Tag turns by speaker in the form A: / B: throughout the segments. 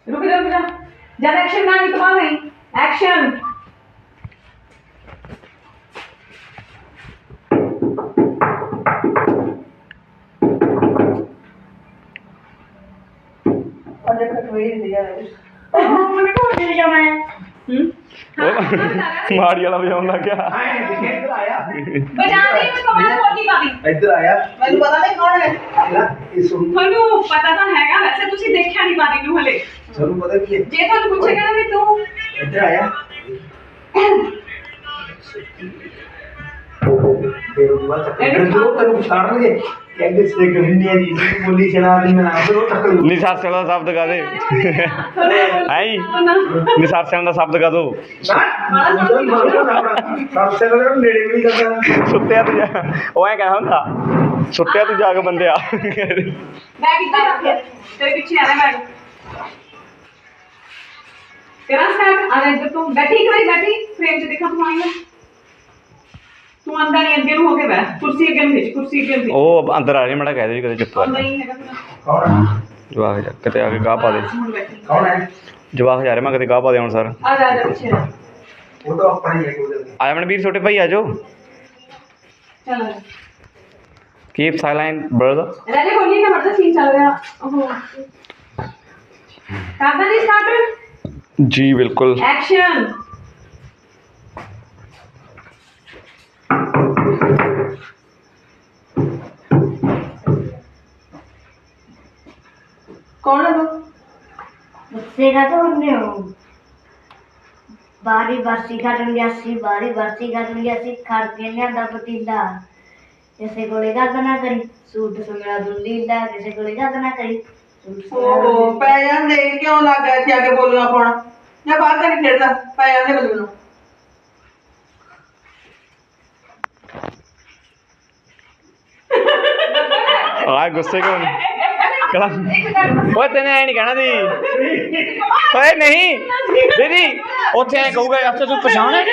A: रुक जा ज्यादा एक्शन ना नहीं तो नहीं एक्शन और देखो तो ये दिया है मैंने कहा दे दिया मैं
B: माड़ी वाला बजाउन लग गया
C: इधर आया
A: बजा दे मैं कमाल बोली पावी
C: इधर आया
A: ਮੈਨੂੰ ਪਤਾ ਨਹੀਂ ਕੌਣ ਹੈ
C: ਇਹ ਸੁਣ
A: ਤੁਹਾਨੂੰ ਪਤਾ ਤਾਂ ਹੈਗਾ ਵੈਸੇ ਤੁਸੀਂ ਦੇਖਿਆ ਨਹੀਂ ਪਾਦੀ ਨੂੰ ਹਲੇ
C: ਤੁਹਾਨੂੰ ਪਤਾ ਕੀ ਹੈ
A: ਜੇ ਤੁਹਾਨੂੰ ਪੁੱਛੇਗਾ ਨਾ ਵੀ ਤੂੰ
C: ਇੱਧਰ ਆਇਆ ਫਿਰ ਉਹ ਬਾਅਦ ਜਦੋਂ ਤੈਨੂੰ ਛਾੜਨਗੇ ਕਹਿੰਦੇ ਸੇ ਗੰਨੀ ਜੀ ਬੋਲੀ ਚਲਾ ਦੀ ਮੈਂ ਫਿਰ ਉਹ ਟੱਕਰ
B: ਨਿਸਾਰਸੇ ਦਾ ਸ਼ਬਦ ਗਾ ਦੇ ਆਈ ਨਿਸਾਰਸੇ ਦਾ ਸ਼ਬਦ ਗਾ ਦੋ
C: ਸਭ ਤੋਂ ਨੇੜੇ ਵੀ ਨਹੀਂ ਕਰਦਾ
B: ਸੁੱਤਿਆ ਤੂੰ ਜਾ ਉਹ ਐ ਕਹਿ ਹੁੰਦਾ ਸੁੱਤਿਆ ਤੂੰ ਜਾ ਕੇ ਬੰਦਿਆ
A: बैग इधर रख तेरे पीछे आ रहा है बैग तेरा स्टार्ट आ रहा इधर तू बैठी एक बार बैठी फ्रेम से देखा तू आएगा तू अंदर नहीं अगे हो के बैठ कुर्सी अगे भेज कुर्सी अगे भेज
B: ਉਹ ਅੰਦਰ ਆ ਰਹੀ ਮੜਾ ਕਹਿ ਦੇ ਵੀ ਕਦੇ ਚੁੱਪ ਕਰ
A: नहीं हैगा तेरा
C: ਕੌਣ ਹੈ
B: ਜਵਾਕ ਜਾ ਕਿਤੇ ਆ ਕੇ ਗਾਹ ਪਾ ਦੇ
A: ਹੁਣ बैठी
C: ਕੌਣ ਹੈ
B: ਜਵਾਕ ਜਾ ਰਿਹਾ ਮੈਂ ਕਿਤੇ ਗਾਹ ਪਾ ਦੇ ਹੁਣ ਸਰ
A: आ जा पीछे रह
C: ਉਹ ਤਾਂ ਆਪਣਾ ਹੀ ਹੈ ਕੋਈ
B: ਆਇਆ ਮਨਵੀਰ ਛੋਟੇ ਭਾਈ ਆ ਜਾਓ
A: चल
B: ਕੀਪ ਸਾਇਲੈਂਟ ਬ੍ਰਦਰ
A: रहने बोली ना मतलब सीन चल रहा ओहो करदा नहीं स्टार्ट
B: ਜੀ ਬਿਲकुल
A: एक्शन कौन है वो
D: मुझसे का तो हमने हो बारी बरसी खड़न गया सी बारी बरसी खड़न गया सी खड़ के लियांदा पतीला जैसे कोलेगा तो ना करी सूट सुनरा दुल्लीला जैसे कोलेगा तो ना करी सूट
A: ओहो पै जांदे क्यों लग गया थे आगे बोलना पौना मैं बाहर जाके खेलदा पै जांदे बल्लू
B: ਆ ਗੁੱਸੇ ਕਿਉਂ ਕਲਾ ਓਏ ਤੈਨੇ ਐ ਨਹੀਂ ਕਹਿਣਾ ਦੀ ਓਏ ਨਹੀਂ ਦੀਦੀ ਉੱਥੇ ਐ ਕਹੂਗਾ ਅੱਛਾ ਤੂੰ ਪਛਾਣ
C: ਹੈ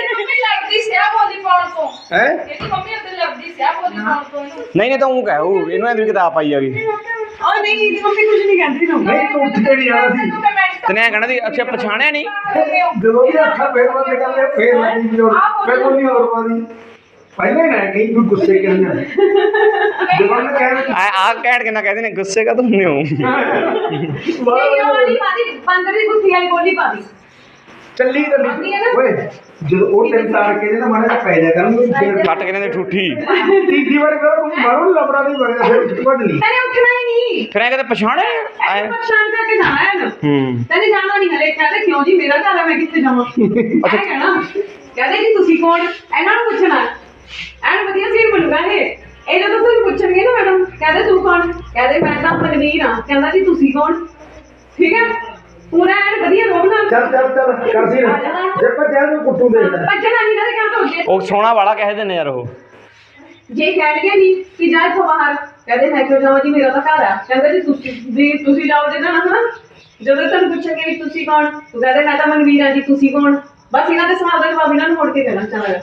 B: ਨਹੀਂ ਨਹੀਂ ਤਾਂ ਉਹ ਕਹੂ ਇਹਨੂੰ ਐ ਵੀ ਕਿਤਾਬ ਪਾਈ ਆਗੀ
A: और नहीं दी मम्मी कुछ नहीं कहती तुम
C: ਨਹੀਂ ਤੂੰ ਉੱਠ ਕੇ ਨਹੀਂ ਜਾਣਾ ਸੀ
B: ਤੈਨੇ ਐ ਕਹਿਣਾ ਦੀ ਅੱਛਾ ਪਛਾਣਿਆ ਨਹੀਂ
C: ਜਦੋਂ ਵੀ ਅੱਖਾਂ ਫੇਰ ਬੰਦ ਕਰ ਲਿਆ ਫੇਰ ਲੱਗੀ ਵੀ ਹੋਰ ਫਿਰ ਨਹੀਂ ਹੋਰ ਪਾਦੀ ਪਹਿਲੇ ਨਾ ਕਹੀਂ ਵੀ ਗੁੱਸੇ ਕਿਉਂ ਨਾ ਜਦੋਂ ਮੈਂ ਕਹਿ
B: ਆ ਕਹਿਣ ਕਿੰਨਾ ਕਹਿੰਦੇ ਨੇ ਗੁੱਸੇ ਕਾ ਤੁਮਨੇ ਹੋ
A: नहीं वाली पादी बंदर दी गुत्थी वाली बोली पादी
C: ਚੱਲੀ ਤਾਂ ਨਹੀਂ ਓਏ ਜਦੋਂ ਉਹ ਤਿੰਨ ਤਾਰ ਕੇ ਨਾ ਮਾੜਾ ਜਿਹਾ ਪੈ ਜਾ ਕਰਾਂਗੇ ਫੇਰ
B: ਕੱਟ ਕੇ ਨੇ ਠੂਠੀ
C: ਤੀਜੀ ਵਾਰ ਕਰੋ ਮਾਰੋ ਲੱਭਣਾ ਨਹੀਂ ਬਗਦਾ ਫਿਰ ਵੱਢ ਲਈ
A: तेरे उठना ही नहीं
B: ਫਿਰ ਐ ਕਦੇ ਪਛਾਣਿਆ
A: ऐसे परेशान करके जाना है ना
B: ਹੂੰ
A: तेने जाना नहीं हले कहते क्यों जी मेरा घर है मैं कितने जावां अच्छा कहना कहते जी तुसी कौन ਇਹਨਾਂ ਨੂੰ ਪੁੱਛਣਾ ਐਨ ਵਧੀਆ ਸੀਨ ਬਣੂਗਾ ਇਹ ਜਦੋਂ ਤੁਹਾਨੂੰ ਪੁੱਛਣਗੇ ਨਾ ਮੈਡਮ ਕਹਿੰਦੇ ਤੂੰ ਕੌਣ ਕਹਿੰਦੇ ਮੈਂ ਤਾਂ ਮਨਵੀਰ ਹਾਂ ਕਹਿੰਦਾ ਜੀ ਤੁਸੀਂ ਕੌਣ ਠੀਕ ਹੈ ਪੂਰਾ ਐਨ ਵਧੀਆ ਰੋਬ ਨਾਲ
C: ਚੱਲ ਕਰ ਸੀ ਨਾ ਜੇ ਭੱਜਿਆ ਨੂੰ ਕੁੱਟੂ ਦੇ
A: ਭੱਜਣਾ ਨਹੀਂ ਨਾ ਕਹਿੰਦਾ ਉੱਜੇ
B: ਉਹ ਸੋਹਣਾ ਵਾਲਾ ਕਹਿ ਦਿੰਦੇ ਯਾਰ ਉਹ
A: ਜੇ ਕਹਿਣਗੇ ਨਹੀਂ ਕਿ ਜਾ ਇੱਥੋਂ ਬਾਹਰ ਕਹਿੰਦੇ ਮੈਂ ਕਿਉਂ ਜਾਵਾਂ ਜੀ ਮੇਰਾ ਤਾਂ ਘਰ ਆ ਕਹਿੰਦਾ ਜੀ ਤੁਸੀਂ ਜਾਓ ਜੇ ਨਾ ਹਨਾ ਜਦੋਂ ਤੁਹਾਨੂੰ ਪੁੱਛਣਗੇ ਵੀ ਤੁਸੀਂ ਕੌਣ ਤੂੰ ਕਹਿੰਦੇ ਮੈਂ ਤਾਂ ਮਨਵੀਰ ਹਾਂ ਜੀ ਤੁਸੀਂ ਕੌਣ ਬਸ ਇਹਨਾਂ ਦੇ ਸਵਾਲ ਦਾ ਜਵਾਬ ਇਹਨਾਂ ਨੂੰ ਮੁੜ ਕੇ ਦੇਣਾ ਚਾਹਾਂਗਾ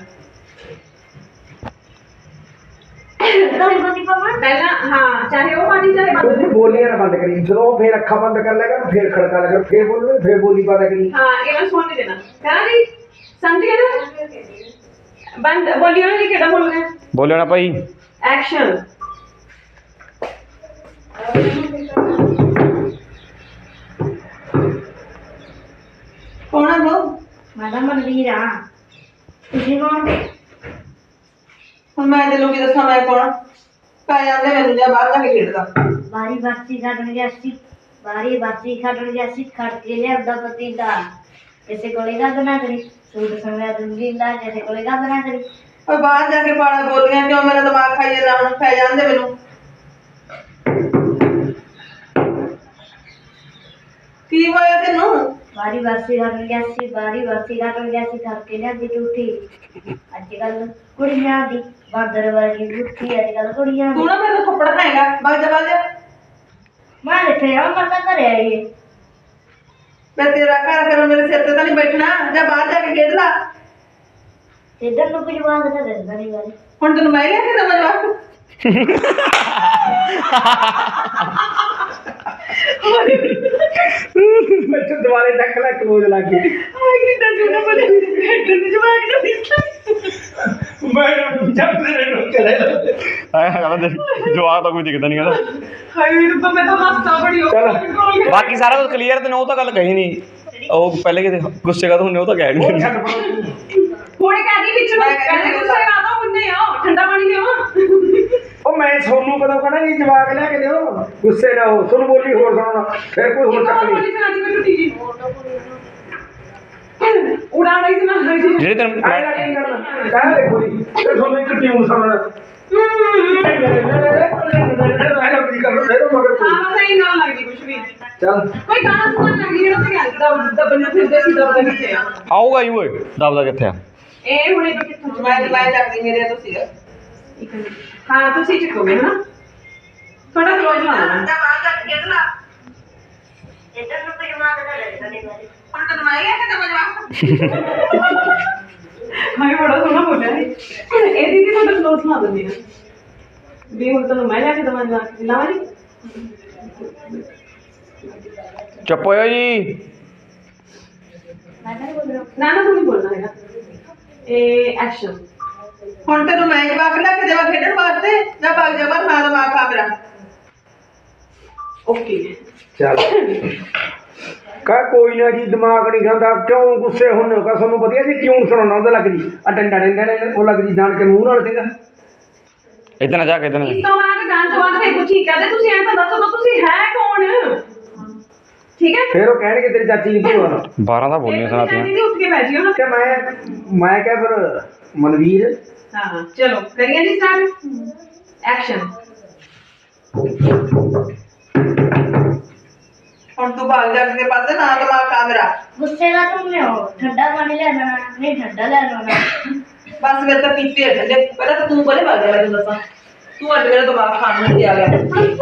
A: ਪਹਿਲਾਂ ਹਾਂ ਚਾਹੇ ਉਹ ਪਾਣੀ ਚਾਹੇ ਬੰਦ
C: ਤੂੰ ਬੋਲੀਆਂ ਨਾ ਬੰਦ ਕਰੀ ਜਦੋਂ ਉਹ ਫੇਰ ਅੱਖਾਂ ਬੰਦ ਕਰ ਲੇਗਾ ਫੇਰ ਖੜਕਾ ਲੇਗਾ ਫੇਰ ਬੋਲੂਗੇ ਫੇਰ ਬੋਲੀ ਪਾ ਕਰੀ
A: हाँ ये सुन नहीं देना कहना जी समझ गए ना बंद बोलियो ना जी केड़ा बोल रहे हैं
B: ਬੋਲਿਓ ਨਾ ਭਾਈ
A: एक्शन कौन है वो
D: मैडम मनवीर हाँ तुझे कौन
A: मैं दिलों की दसा मैं कौन पै जांदे मैनू जा बाहर जाके खेडदा
D: बारी बरसी खड़न गया सी बारी बरसी खड़न गया सी खड़ के लियांदा पतीला जैसे कोलेगा तो ना करी सूट सुनरा दुल्लीला जैसे कोलेगा तो ना करी
A: और बाहर जाके पाड़ा बोलियां क्यों मेरा दिमाग खाई जांदा हुण पै जांदे मैनू की होया तेनू
D: बारी बरसी खड़न गया सी बारी बरसी खड़न गया सी खड़ के लियांदी टूटी अजकल कुड़ियां दी बांदर वर्गी गुत्थी अजकल कुड़ियां
A: तू
D: दी
A: ना मेरे को थप्पड़ खाएगा बाग जा
D: मैं इत्थे आ मैं तां घरे आई है
A: मैं तेरा घर फिर मेरे सिर ते तो नहीं बैठना जा बाहर जाके खेड ला
D: इधर नु कुछ बात तो दसदा नहीं बारी
A: हुण तैनूं मैं लिया के दवां जवाब
C: मैं तो ਦੁਬਾਰੇ ਚੱਕ ਲੈ ਕਲੋਜ਼ ਲੱਗ ਗਈ
A: ਆਏ ਕਿੱਦਾਂ ਸੁਣਾ ਬਲੇ ਹੈਡਰ ਦੀ ਜਵਾਕ ਦਾ
C: ਮੈਂ ਜੱਟ ਦੇ ਨੂੰ ਚਲੇ
B: ਆਇਆ ਕਹਿੰਦਾ ਦੇਖ ਜਵਾਬ ਤਾਂ ਕੋਈ ਦਿਖਦਾ ਨਹੀਂ ਕਹਿੰਦਾ
A: ਹਾਏ ਰੱਬਾ ਮੈਂ ਤਾਂ ਹੱਸਾ ਬੜੀ ਹੋ
C: ਚੱਲ।
B: ਬਾਕੀ ਸਾਰਾ ਕੁਝ ਕਲੀਅਰ ਤੇ ਉਹ ਤਾਂ ਗੱਲ ਕਹੀ ਨਹੀਂ ਉਹ ਪਹਿਲੇ ਕਿਤੇ ਗੁੱਸੇ ਕਾ ਹੁੰਨੇ ਉਹ ਤਾਂ ਕਹਿ ਨਹੀਂ
C: ਛੱਡ ਪਰਾਂ।
A: ਹੁਣ ਕਹਿੰਦੀ ਵਿੱਚ ਨੂੰ ਕਹਿੰਦੇ ਗੁੱਸੇ ਆ ਤਾਂ ਹੁੰਨੇ ਆ ਠੰਡਾ ਪਾਣੀ ਲਿਓ
C: ਉਹ ਮੈਂ ਸੋਨੂੰ ਕਦੋਂ ਕਹਣਾ ਜੀ ਜਵਾਕ ਲੈ ਕੇ ਦਿਓ ਗੁੱਸੇ ਨਾ ਹੋ ਤੁਹਾਨੂੰ ਬੋਲੀ ਹੋਰ ਸੁਣਾਉਣਾ ਫਿਰ ਕੋਈ ਹੋਰ ਚੱਕ ਨਹੀਂ
A: ਬੋਲੀ ਸੁਣਾ ਦੀ ਮੈਨੂੰ ਟੀਜੀ ਉਡਾ ਰਹੀ ਸੀ ਨਾ ਹਰ ਜੀ
B: ਜਿਹੜੇ ਤੈਨੂੰ
C: ਆਇਆ ਕੀ ਕਰਨਾ ਕਹਿ ਦੇਖੋ ਜੀ ਤੇ ਤੁਹਾਨੂੰ ਇੱਕ ਟਿਊਨ ਸੁਣਾਉਣਾ ਆਇਆ ਕੀ ਕਰਨਾ ਫਿਰ ਮਗਰ ਕੋਈ
A: ਹਾਂ ਸਹੀ ਨਾਲ ਲੱਗਦੀ ਕੁਛ ਵੀ
C: ਚੱਲ
A: ਕੋਈ ਗਾਣਾ ਸੁਣਨ ਲੱਗੀ ਜਿਹੜਾ ਤੇ ਗੱਲ ਦਬਨ ਫਿਰਦੇ ਸੀ ਦਬਨ ਕਿੱਥੇ ਆ
B: ਆਊਗਾ ਹੀ ਓਏ ਦਬਦਾ ਕਿੱਥੇ ਆ
A: ਇਹ ਹੁਣੇ ਤੋਂ ਕਿੱਥੋਂ
E: ਮੈਂ ਚੱਕਦੀ ਮੇਰੇ ਤੋਂ ਸੀਗਾ
A: ਹਾਂ ਤੁਸੀਂ ਚੱਕੋਗੇ ਹਨਾ ਥੋੜਾ ਕਲੋਜ਼ ਲਾ ਲੈਣਾ
D: ਇੱਧਰ ਨੂੰ ਕੋਈ ਮੰਗਦਾ ਲੈ ਸਾਡੇ ਬਾਰੇ
E: ਹੁਣ ਤੈਨੂੰ ਮੈਂ ਕਿਹਾ ਕਿ ਜਵਾਬ
A: ਮੈਂ ਬੜਾ ਸੋਹਣਾ ਬੋਲਿਆ ਹੈ ਇਹ ਦੀਦੀ ਤੁਹਾਡਾ ਕਲੋਜ਼ ਲਾ ਦਿੰਦੀ ਆ ਵੀ ਹੁਣ ਤੁਹਾਨੂੰ ਮੈਂ ਲੈ ਕੇ ਦਵਾਂ ਲਾਵਾ ਜੀ
B: ਚੁੱਪ ਹੋਇਓ ਜੀ
D: ਮੈਂ ਤਾਂ ਬੋਲ ਰਿਹਾ
A: ਨਾ ਨਾ ਤੁਹਾਨੂੰ ਬੋਲਣਾ ਹੈਗਾ ਇਹ ਐਕਸ਼ਨ
E: ਹੁਣ ਤੈਨੂੰ ਮੈਂ ਜਵਾਬ ਲੈ ਕੇ ਦੇਵਾਂ ਖੇਡਣ ਵਾਸਤੇ ਜਾਂ ਭਾਗ ਜਾ ਮਰ ਨਾ ਦਿਮਾਗ ਖਾ ਮੇਰਾ
A: ਓਕੇ
C: ਚੱਲ ਕਾ ਕੋਈ ਨਾ ਜੀ ਦਿਮਾਗ ਨਹੀਂ ਖਾਂਦਾ ਕਿਉਂ ਗੁੱਸੇ ਹੁੰਨੇ ਹੋ ਕਾ ਤੁਹਾਨੂੰ ਵਧੀਆ ਜੀ ਕਿਉਂ ਸੁਣਾਉਣਾ ਉਹਦਾ ਲੱਗ ਜੀ ਆ ਡੰਡਾ ਡੰਡਾ ਉਹ ਲੱਗ ਜੀ ਜਾਣ ਕੇ ਮੂੰਹ ਨਾਲ ਸੀਗਾ
B: ਇਦਾਂ ਨਾ ਜਾ ਕੇ ਇਦਾਂ
A: ਇਸ ਤੋਂ ਬਾਅਦ ਗਾਣ ਤੋਂ ਬਾਅਦ ਫਿਰ ਕੁਝ ਹੀ ਕਹਦੇ ਤੁਸੀਂ ਐਂ ਤਾਂ ਦੱਸੋ ਤਾਂ ਤੁਸੀਂ ਹੈ ਕੌਣ ਠੀਕ ਹੈ
C: ਫਿਰ ਉਹ ਕਹਿਣਗੇ ਤੇਰੀ ਚਾਚੀ ਦੀ ਭੂਆ
B: 12 ਤਾਂ ਬੋਲੀਆਂ ਸੁਣਾਤੀਆਂ
A: ਦੀਦੀ ਉੱਠ ਕੇ ਬੈਠ ਜਿਓ ਨਾ
C: ਕਿ ਮੈਂ ਕਿਹਾ ਫਿਰ ਮਨਵੀਰ
A: ਹਾਂ ਚਲੋ ਕਰੀਏ ਜੀ ਸਟਾਰਟ ਐਕਸ਼ਨ
E: ਹੁਣ ਤੂੰ ਭਾਗ ਜਾ ਕੇ ਪਾਸੇ ਨਾ ਦਿਮਾਗ ਖਾ ਮੇਰਾ
D: ਗੁੱਸੇ ਦਾ ਤੁਮਨੇ ਹੋ ਠੰਡਾ ਪਾਣੀ ਲੈਣਾ ਨਹੀਂ ਠੰਡਾ ਲੈਣਾ
E: ਬਸ ਮੇਰੇ ਤਾਂ ਪੀਤੇ ਆ ਠੰਡੇ ਪਹਿਲਾਂ ਤਾਂ ਤੂੰ ਕੋਲੇ ਭਾਗ ਜਾ ਮੈਂ ਤੈਨੂੰ ਦੱਸਾਂ ਤੂੰ ਅੱਜ ਮੇਰਾ ਦਿਮਾਗ ਖਾਣ ਨੂੰ ਤੇ ਆ ਗਿਆ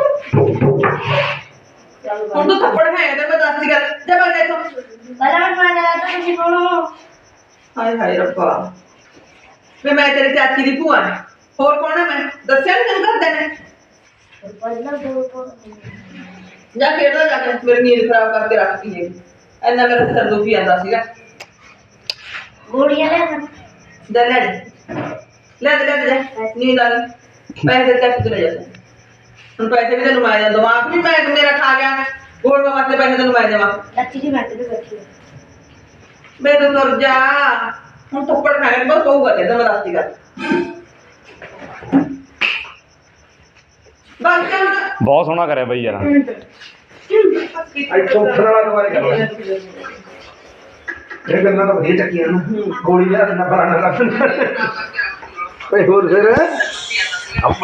E: ਹੁਣ ਤੂੰ ਥੱਪੜ ਖਾਏਗਾ ਤੇ ਮੈਂ ਦੱਸ ਦੀ ਗੱਲ ਜਾ ਭਾਗ ਜਾ ਇੱਥੋਂ
D: ਪਹਿਲਾਂ ਮੈਂ ਮੰਗਦਾ ਤਾਂ ਤੁਸੀਂ ਕੌਣ ਹੋ
E: ਹਾਏ ਹਾਏ ਰੱਬਾ ਵੇ ਮੈਂ ਤੇਰੀ ਚਾਚੀ ਦੀ ਭੂਆ ਹਾਂ ਹੋਰ ਕੌਣ ਹੈ ਮੈਂ ਦੱਸਿਆ ਨੀ ਤੈਨੂੰ ਘਰਦਿਆਂ ਨੇ
D: ਪਹਿਲਾਂ ਦੋ
E: ਜਾ ਖੇਡਦਾ ਜਾ ਕੇ ਮੇਰੀ ਨੀਂਦ ਖਰਾਬ ਕਰਕੇ ਰੱਖਤੀ ਹੈ ਇੰਨਾ ਮੇਰਾ ਸਿਰ ਦੁਖੀ ਜਾਂਦਾ ਸੀਗਾ
D: ਗੋਲੀਆਂ ਲੈਣਾ
E: ਜਾ ਲੈ ਜਾ ਨੀਂਦ ਆ ਗਈ ਪੈਸੇ ਚੱਕ ਕੇ ਲੈ ਜਾ ਹੁਣ ਪੈਸੇ ਵੀ ਤੈਨੂੰ ਮੈਂ ਦਿਮਾਗ ਵੀ ਮੈਂ ਮੇਰਾ ਖਾ ਗਿਆ ਗੋਲ ਵਾਸਤੇ ਪੈਸੇ ਤੈਨੂੰ ਮੈਂ ਦੇਵਾਂ
D: ਲੱਚੀ ਦੀ ਬੈਠ ਕੇ ਬੈਠੀ ਹੈ
E: ਬੇ ਤੂੰ ਤੁਰ ਜਾ ਹੁਣ ਥੱਪੜ ਖਾਣੇ ਬਸ ਕਹੂਗਾ ਤੇ ਮੈਂ ਦੱਸਦੀ ਗੱਲ ਬਸ ਕਰ
B: ਬਹੁਤ ਸੋਹਣਾ ਕਰਿਆ ਬਈ ਯਾਰ
C: ਇੱਥੋਂ ਉੱਠਣ ਵਾਲਾ ਦੁਬਾਰੇ ਕਰਨਾ ਇਹ ਗੱਲਾਂ ਤਾਂ ਵਧੀਆ ਚੱਕੀਆਂ ਨਾ ਗੋਲੀ ਲਿਆ ਦਿੰਦਾ ਫਲਾਣਾ ਲੱਗ ਓਏ ਹੋਰ ਫਿਰ